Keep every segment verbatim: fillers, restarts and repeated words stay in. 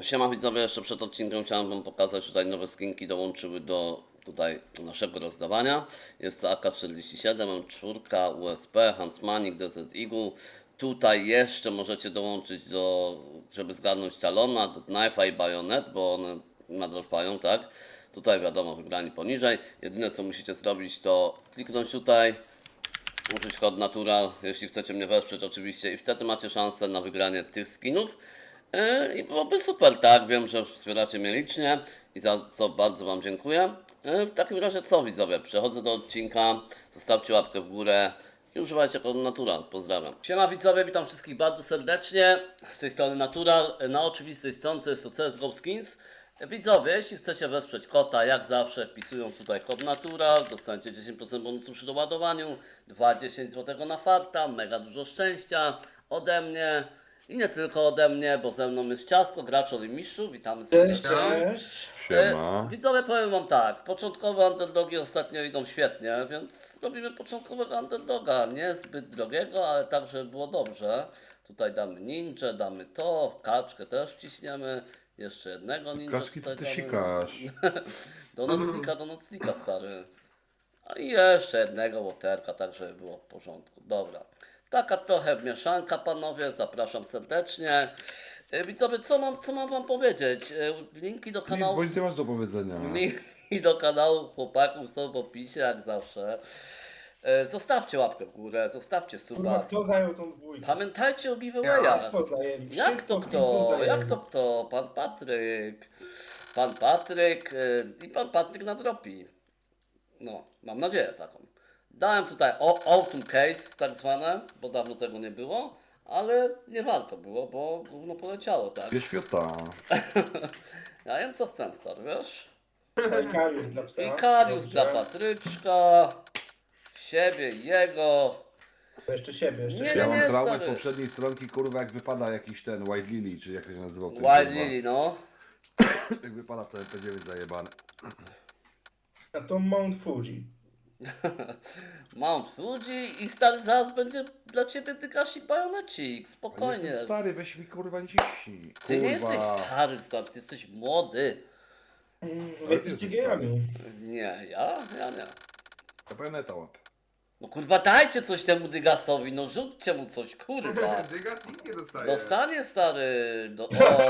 Siema widzowie, jeszcze przed odcinkiem chciałem wam pokazać, tutaj nowe skinki dołączyły do tutaj naszego rozdawania. Jest to A K czterdzieści siedem, M cztery, U S P, Huntsmanik, Desert Eagle. Tutaj jeszcze możecie dołączyć do, żeby zgarnąć Talona, Knife'a i Bayonet, bo one nadropają, tak? Tutaj wiadomo, wygrani poniżej. Jedyne co musicie zrobić, to kliknąć tutaj, użyć kod Natural, jeśli chcecie mnie wesprzeć oczywiście, i wtedy macie szansę na wygranie tych skinów. Yy, I byłoby super, tak? Wiem, że wspieracie mnie licznie i za co bardzo wam dziękuję. Yy, W takim razie co widzowie, przechodzę do odcinka, zostawcie łapkę w górę i używajcie kodu Natural. Pozdrawiam. Siema widzowie, witam wszystkich bardzo serdecznie. Z tej strony Natural, na oczywistej stronce jest to C S G O Skins. Widzowie, jeśli chcecie wesprzeć kota, jak zawsze wpisując tutaj kod Natural, dostaniecie dziesięć procent bonusu przy doładowaniu, dwadzieścia złotych na farta, mega dużo szczęścia ode mnie i nie tylko ode mnie, bo ze mną jest Ciasko, Graczol i Mistrzu, witamy Cześć, serdecznie. cześć. Siema. E, Widzowie, powiem wam tak, początkowe underdogi ostatnio idą świetnie, więc robimy początkowego underdoga, nie zbyt drogiego, ale tak, żeby było dobrze. Tutaj damy ninja, damy to, kaczkę też wciśniemy, jeszcze jednego ninja Kaczki to tutaj ty damy. sikasz. Do nocnika, do nocnika, stary. A i jeszcze jednego łoterka, tak żeby było w porządku. Dobra. Taka trochę mieszanka, panowie, zapraszam serdecznie. E, Widzowie, co mam, co mam wam powiedzieć? E, Linki do Nic, kanału. bo nic nie masz do powiedzenia. Linki do kanału chłopaków są w opisie, jak zawsze. E, Zostawcie łapkę w górę, zostawcie Kurwa, suba. kto zajął tą dwójkę? Pamiętajcie o giveawayach. Wszystko zajęli. Jak Wszystko to w pizdu kto? zajęli. Jak to kto? Pan Patryk. Pan Patryk yy, i pan Patryk nadrobi. No, mam nadzieję taką. Dałem tutaj o- Autumn Case tak zwane, bo dawno tego nie było, ale nie warto było, bo gówno poleciało, tak? Dwie świata. Ja wiem co chcę, stary, wiesz? Ikarius dla psa. Ikarius Dobrze. dla Patryczka, siebie i jego. To jeszcze siebie, jeszcze Nie, siebie. Ja nie, mam traumę z stary. poprzedniej stronki, kurwa, jak wypada jakiś ten White Lily, czy jak to się nazywał ten Wild kurwa. Lily, no. Jak wypada ten P dziewięć zajebany. A to Mount Fuji. Mount Fuji i stary zaraz będzie dla ciebie Dykasik Bajonecik, A spokojnie. jestem stary, weź mi kurwa nie ciśnij. Ty nie Kurwa. jesteś stary, stary, ty jesteś młody. Wy jesteście gejami. Nie, ja? Ja nie. To Bajoneta łap. No kurwa dajcie coś temu Dygasowi, no rzućcie mu coś, kurwa. Dygas nic nie dostaje. Dostanie stary, do...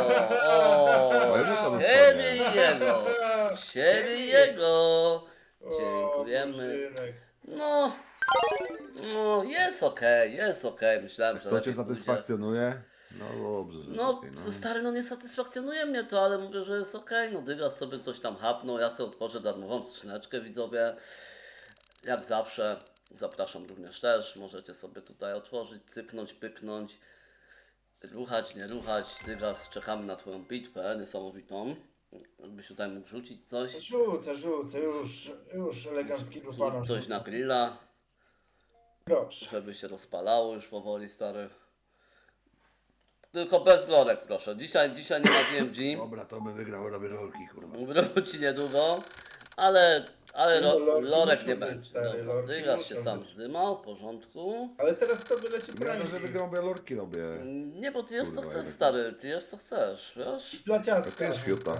o, o, Bajoneta dostanie. siebie i jego, siebie i jego. O, Dziękujemy. Bożynek. No, no jest okej, jest okej, myślałem, że To cię lepiej pójdzie. satysfakcjonuje? No dobrze. że No, lepiej, no. Stary, no nie satysfakcjonuje mnie to, ale mówię, że jest okej. No Dygas sobie coś tam hapnął, ja sobie otworzę darmową skrzyneczkę, widzowie. Jak zawsze, zapraszam również też, możecie sobie tutaj otworzyć, cyknąć, pyknąć, ruchać, nie ruchać. Dygas, czekamy na twoją bitwę niesamowitą. Jakbyś tutaj mógł rzucić coś, Rzucę, rzucę, już, już eleganckiego pana rzucić coś na rzucę. grilla, Proszę. żeby się rozpalało już powoli, stary. Tylko bez lorek, proszę. Dzisiaj, dzisiaj nie ma D M G. Dobra, to by wygrał, robię rolki, kurwa. Wróci niedługo, ale, ale No, ro, lorki lorek muszą nie być, będzie. stary, Dobra, lorki Dygas się muszą sam być. zdymał, w porządku. Ale teraz to wyleci Ja to, że prędzej. wygram, bo ja lorki robię. Nie, bo ty jest co Kurwa, chcesz, jak- stary, ty jest co chcesz, wiesz? Dla To ciastka. jest świata.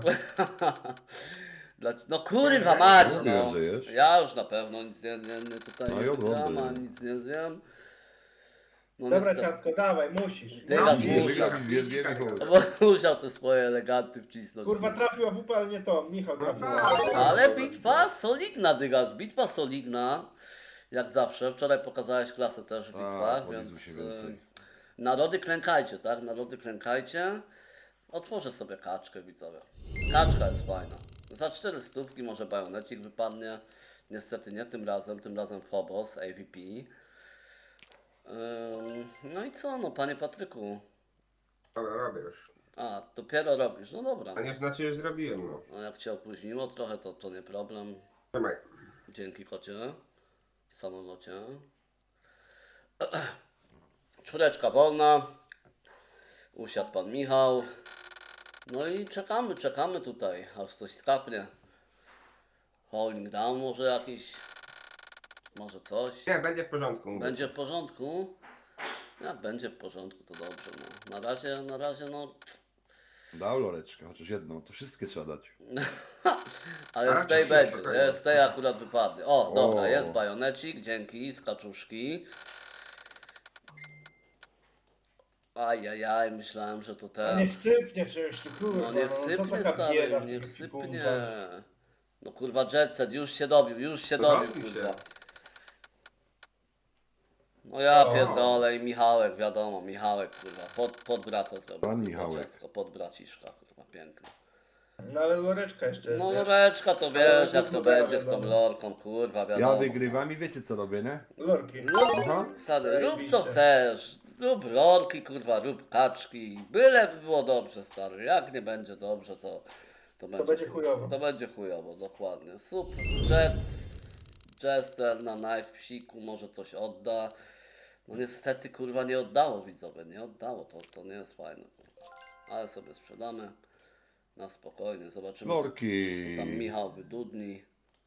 Dla, no kurwa mać, Mówiłem, no. że jesz. Ja już na pewno nic nie, nie, nie tutaj No i nie oglądaj. gram, a nic nie zjem. No Dobra, niestety. ciastko, dawaj, musisz. Dygas Nie, musiał, wygram i zje- zjem i chuj. bo musiał te swoje eleganty wcisnąć. Kurwa, trafił A W P, ale nie to. Michał trafił. tak. Ale bitwa solidna, Dygas, bitwa solidna. Jak zawsze, wczoraj pokazałeś klasę też w bitwach, Tak, powiedzmy więc się więcej. y, narody klękajcie, tak? Narody klękajcie. Otworzę sobie kaczkę, widzowie. Kaczka jest fajna. Za cztery stówki może bajonecik wypadnie. Niestety nie tym razem, tym razem Phobos, A V P. Ym, no i co, no panie Patryku? Dobra, robię już. A, dopiero robisz, no dobra. A nie znaczy, już zrobiłem, no. No jak cię opóźniło trochę, to, to nie problem. Trzymaj. Dzięki kocie. W samolocie. Czwóreczka wolna. Usiadł pan Michał. No i czekamy, czekamy tutaj, aż coś skapnie. Holding down może jakiś. Może coś. Nie, będzie w porządku. mówię. Będzie w porządku? Jak będzie w porządku, to dobrze. No. Na razie, na razie, no. Dał loreczkę, chociaż jedną, to wszystkie trzeba dać. Ale A, z tej czy będzie, spokojnie. nie? Z tej akurat wypadnie. O, dobra, O. jest bajonecik, dzięki, z kaczuszki. Ajajaj, myślałem, że to A ten. niech sypnie czymś tu, kurwa. No niech co sypnie, taka stary, bieda w niech tym sypnie. ekwipunku? No kurwa, Jetset już się dobił, już się To dobił, dobił się. kurwa. No ja O. pierdolę i Michałek, wiadomo, Michałek, kurwa, pod, pod brata zrobił. Pan kurwa, Michałek. dziecko, pod braciszka, kurwa, pięknie. No ale loreczka jeszcze jest, No nie? loreczka to Ale wiesz, jak to gówno daje, będzie z tą wiadomo. lorką, kurwa, wiadomo. Ja wygrywam i wiecie co robię, nie? Lorki. Rób, Aha. stary, rób co Zajebiście. chcesz, rób lorki, kurwa, rób kaczki, byle by było dobrze, stary, jak nie będzie dobrze, to... To będzie, będzie chujowo. To będzie chujowo, dokładnie. Super. Jets, Jester na knife psiku może coś odda. No niestety kurwa nie oddało widzowie, nie oddało, to, to nie jest fajne. Kurwa. Ale sobie sprzedamy na spokojnie, zobaczymy co, Lorki. co tam Michał wydudni.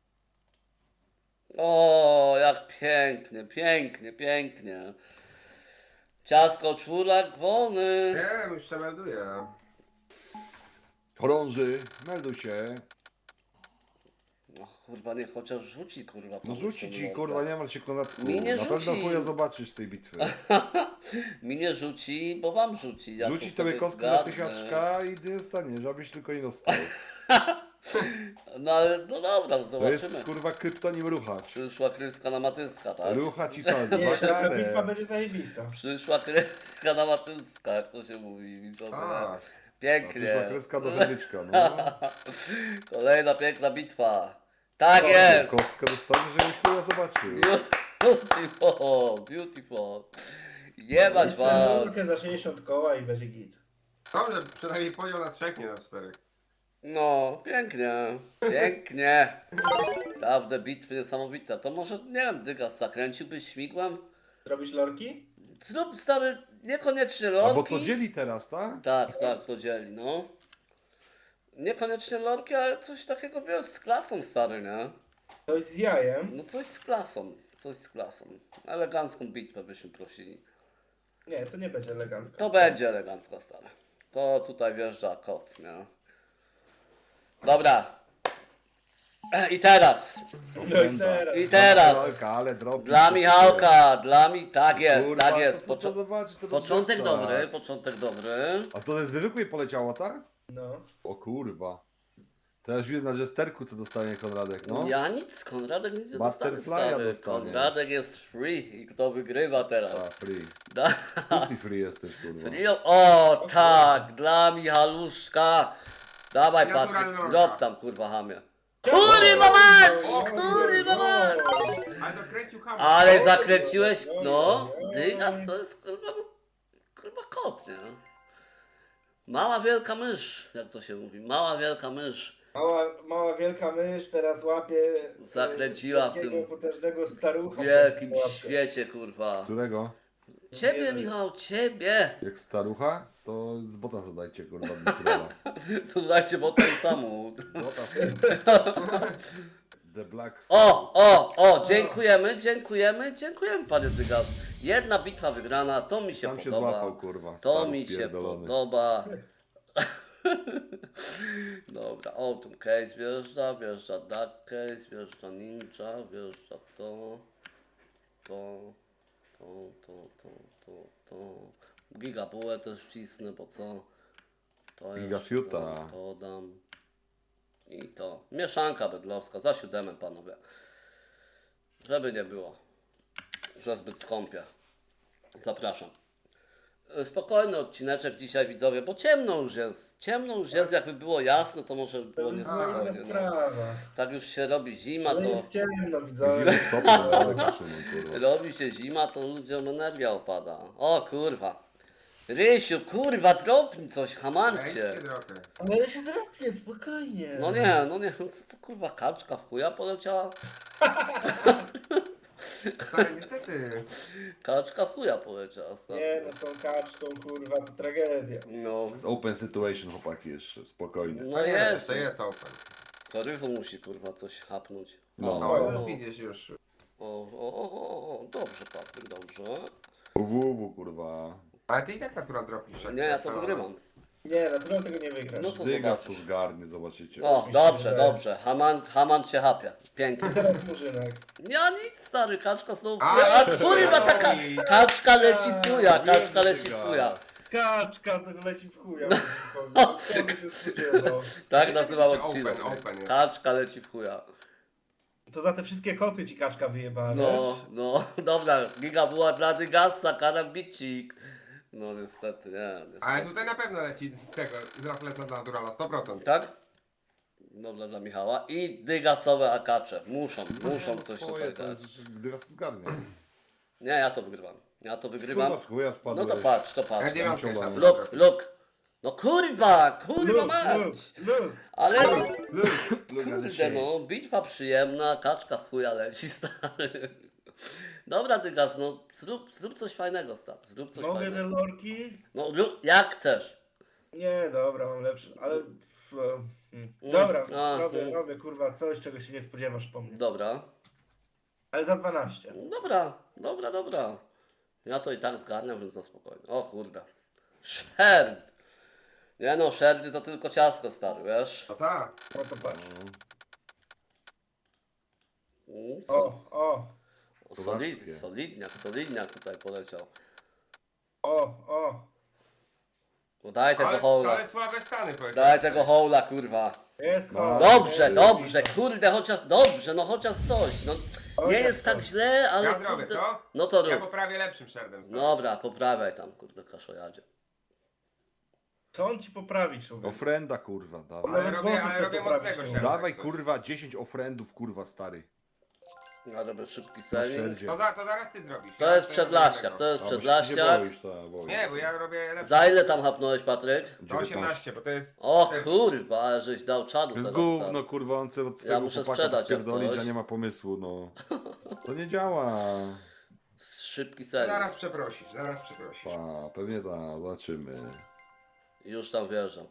O, jak pięknie, pięknie, pięknie. Ciasko czwórak wolny. Nie, już się melduję. Chorąży, melduj się. No kurwa, nie chociaż rzuci kurwa. No komuś rzuci tą ci, lorkę. kurwa, nie martw się konatku. Mi nie Na pewno rzuci. chuja zobaczysz z tej bitwy. Mi nie rzuci, bo wam rzuci. Ja Rzuci to tobie sobie kostkę za zgadnę. tysiaczka i nie dostaniesz, żebyś tylko nie dostał. No ale no dobra, To zobaczymy. jest, kurwa, kryptonim ruchacz. Przyszła kryska na matyska, tak? Rucha ci saldo, Nie, za ta bitwa karę. będzie zajebista. Przyszła kryska na matyska, jak to się mówi, widzowie. A, Pięknie. Przyszła kreska do wędyczka, no. Kolejna piękna bitwa. Tak O, jest! Kostkę dostaniesz, żebyś chuja zobaczył. Beautiful, beautiful. Jebać Jeszcze was. lorkę za sześćdziesiąt koła i będzie git. dobrze, przynajmniej podział na trzech, nie na czterech. No, pięknie, pięknie. Naprawdę bitwy niesamowite. To może, nie wiem, Dygas, zakręciłbyś śmigłem? Zrobić lorki? Zrób stary, niekoniecznie lorki. A bo to dzieli teraz, tak? Tak, tak, to dzieli, no. Niekoniecznie lorki, ale coś takiego wiesz, z klasą stary, nie? Coś z jajem? No coś z klasą, coś z klasą. Elegancką bitwę byśmy prosili. Nie, to nie będzie elegancko. To będzie elegancka stary. To tutaj wjeżdża kot, nie? Dobra. E, I teraz. No i teraz. I teraz. Lorka, ale drobi. Dla Michałka, dla mi, tak jest, Kurwa, tak jest. to, to, Poczo- zobaczyć, to początek rozrzuca. dobry, początek dobry. A to z zwykłej poleciało, tak? No. O kurwa. Teraz widzę na jesterku, co dostanie Konradek, no. Ja nic, Konradek nic nie dostanie, Butterfly'a stary. dostaniesz. Konradek jest free i kto wygrywa A, teraz? free. Da- Pussy free jesteś, kurwa. free o, tak, dla Michaluszka. Dawaj Naturalna Patryk, droga. drop tam kurwa hamie. Kurwa mać, kurwa mać. Ale dokręcił hamę. Ale zakręciłeś, no, Dygas to jest kurwa, kurwa kot, nie? Mała wielka mysz, jak to się mówi, mała wielka mysz. Mała, mała wielka mysz teraz łapie... e, Zakręciła w takiego tym potężnego starucha. W wielkim w łapie. świecie, kurwa. Którego? Ciebie, Michał, ciebie! Jak starucha, to z bota zadajcie, kurwa, Dmitrowa. To dajcie bo ten samochód. The Black O, o, o, dziękujemy, dziękujemy, dziękujemy panie Dygas. Jedna bitwa wygrana, to mi się Tam się podoba. złapał, kurwa. To staruch mi się pierdolony. podoba. Dobra, Autumn Case wjeżdża, wjeżdża Dark Case, wjeżdża Ninja, wjeżdża to, to, to, to, to, to, to. Gigabułę też wcisnę, bo co? To Gigafiuta. To, to dam. I to. Mieszanka bydlowska, za siódemem panowie. Żeby nie było, że zbyt skąpie. Zapraszam. Spokojny odcineczek dzisiaj widzowie, bo ciemno już jest. Ciemno już jest, jakby było jasno, to może by To było jest inna niespokojnie. No. sprawa. Tak już się robi zima, Ale to jest ciemno, Ile widzowie. stopni na daleko, Szymon, kurwa. robi się zima, to ludziom energia opada. O kurwa. Rysiu, kurwa, dropnij coś, Ja hamancie. nic nie dropię. Ale się drapnie, spokojnie. No nie, no nie, to kurwa kaczka w chuja poleciała. Stary, niestety. Kaczka w chuja poleciała. stary. Nie, no z tą kaczką, kurwa, to tragedia. No, Z open situation, chłopaki, jeszcze, spokojnie. no No nie, jest. to jest open. To Rychu musi kurwa coś hapnąć. No. O, No, o, już widzisz już. o, o, o, o, dobrze Patryk, dobrze. W W, kurwa. Ale ty i tak natura dropisz. jak Nie, ja to tak, wygrywam. Nie, naturalnie tego nie wygrasz. No to Dygas tu zobaczysz. zgarnie, zobaczycie. O, się dobrze, wydaje. dobrze. Haman, Haman cię chapia. Pięknie. Teraz Murzynek. Ja nic, stary, kaczka znowu A, chuja. A kurwa, no taka i- kaczka leci w chuja, Wiem, kaczka że leci w dygas. chuja. Kaczka, to leci w chuja. O, Kto by się spodziewał? Tak nazywał Open, odcinek. open jest. Kaczka leci w chuja. To za te wszystkie koty ci kaczka wyjebała, No, wiesz? no, dobra, giga była dla Dygasa, karambicik. No niestety, nie, Ale niestety. tutaj na pewno leci z tego, z Raflesa Naturala, sto procent. Tak? Dobra dla Michała. I dygasowe akacze. Muszą, muszą coś Twoje, tutaj to dać. jest, Dygas to zgarnie. Nie, ja to wygrywam. Ja to wygrywam. Kurwa, z chuja No spadłeś. to patrz, to Ja patrz. nie mam Musiał jeszcze. wam. Luk, luk. No kurwa, kurwa Luk, mać. luk, luk. Ale Luga kurde dzisiaj. no, bitwa przyjemna, kaczka w chuja leci, stary. Dobra Dygas, no zrób, zrób coś fajnego, stary. Zrób coś Mogę te fajnego. lorki? No lub, jak chcesz. Nie, dobra, mam lepszy, ale... w- hmm. Dobra, A, robię, hmm. robię, kurwa, coś, czego się nie spodziewasz po mnie. Dobra. Ale za dwanaście. Dobra, dobra, dobra. Ja to i tak zgarniam, więc na spokojnie. O kurde. Sherd. Nie no, sherdy to tylko ciastko, stary, wiesz? No tak. No to patrz. Mm, O, Co? o, Solid, Kozackie. solidniak, solidniak tutaj poleciał. o, o. No daj tego Ale, hołla. ale słabe stany powiedział. Daj tego hołla, kurwa. Jest No. kolor. Dobrze, Jest dobrze, kolor. kurde, chociaż, dobrze, no chociaż coś. No, nie Chociaż jest tak coś. źle, ale Ja zrobię, kurde. co? No to Ja rób. poprawię lepszym sherdem. stary. Dobra, poprawiaj tam, kurde, kaszojadzie. Co on ci poprawi, człowiek? Ofrenda, kurwa, dawaj. Ale Nawet robię, włosy ale sobie robię poprawić mocnego nie sherda. Dawaj, jak coś. kurwa, dziesięć ofrendów, kurwa, stary. Ja robię szybki Na selling. szerdzie. To, za, to zaraz ty zrobisz. To Ja jest tutaj przedlaściak, robię to jest A, bo się przedlaściak. Nie boisz, to ja boję. Nie, bo ja robię lepsze. Za ile tam hapnąłeś, Patryk? To osiemnaście, bo to jest... O kurwa, ale żeś dał czadu To jest teraz. gówno, stary. kurwa, on chce od swojego muszę chłopaka sprzedać jak pierdolić, coś. a nie ma pomysłu, no. To nie działa. Szybki selling. Zaraz przeprosisz, zaraz przeprosisz. Pa, pewnie tak, zobaczymy. Już tam wierzę.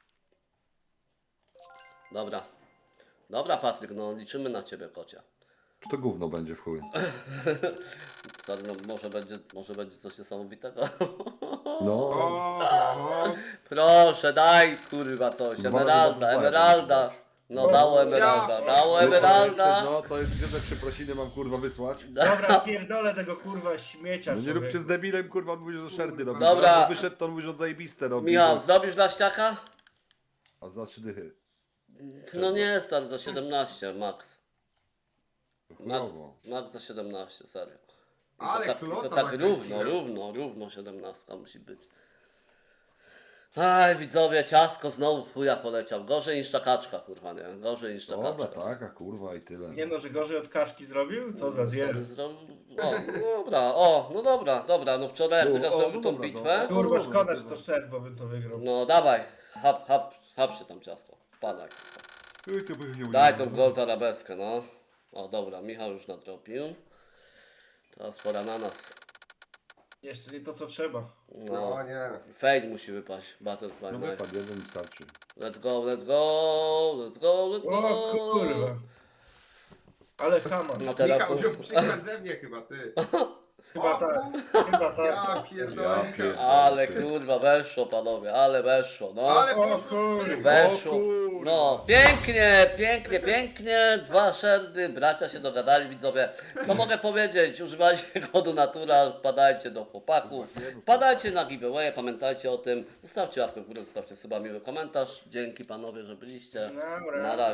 Dobra. Dobra, Patryk, no liczymy na ciebie, kocia. Czy to gówno będzie w chuj? Stary, no, może będzie, może będzie coś niesamowitego. No. O, o, Proszę, daj kurwa coś. Dwa razy Emeralda, dwa razy emeralda. dwa. No dało emeralda, Ja- dało Wiesz, co emeralda. jesteś, No, to jest gdzie te przeprosiny mam, kurwa, wysłać? Dobra, pierdolę tego kurwa śmiecia, No nie człowiek. róbcie z debilem, kurwa, on mówi, że szerdy robi. Dobra. Zaraz wyszedł, to on mówi, że on zajebiste robi. Michał, zrobisz dla ściaka? A za trzy dychy. No nie, stary, za siedemnaście, max. Max, Chujowo. max za siedemnaście, serio. I Ale to tak, kloca to tak równo, zakręciłem. równo, równo siedemnastka musi być. Aj, widzowie, ciastko znowu w chuja poleciał. Gorzej niż czakaczka, kurwa, nie? Gorzej niż Dobra, czakaczka. taka, kurwa i tyle. Nie no, że gorzej od kaszki zrobił? Co za zjer. Zrobił- O, no dobra, o, no dobra, dobra, no wczoraj jak No, Dygas o, zrobił no tą dobra, bitwę, no. Kurwa, dobra, szkoda, że dobra. to szedł, bo bym to wygrał. no dawaj, hap, hap, hap się tam ciastko, wpadaj. Ej, to by nie Daj tą udało. gold arabeskę, no. O, dobra, Michał już nadrobił. Teraz pora na nas. Jeszcze nie to, co trzeba. No No, nie. fade musi wypaść, Butterfly No Knife. wypadł, jeden mi starczy. Let's go, let's go, let's go, let's go. O kurwa. Ale Haman. No teraz Michał są... wziął przykład ze mnie chyba, ty. Chyba O, tak. kur- Chyba tak. Ja Ja pierdolę, Michał. pierdolę. Ale kurwa, weszło panowie, ale weszło, no. Ale O poszło. kurwa. Weszło. O kurwa. No, pięknie, pięknie, pięknie. Dwa szerdy, bracia się dogadali, widzowie. Co mogę powiedzieć? Używajcie kodu Natural, wpadajcie do chłopaków, wpadajcie na giveaway, pamiętajcie o tym. Zostawcie łapkę w górę, zostawcie sobie miły komentarz. Dzięki panowie, że byliście. Dobra. Na razie.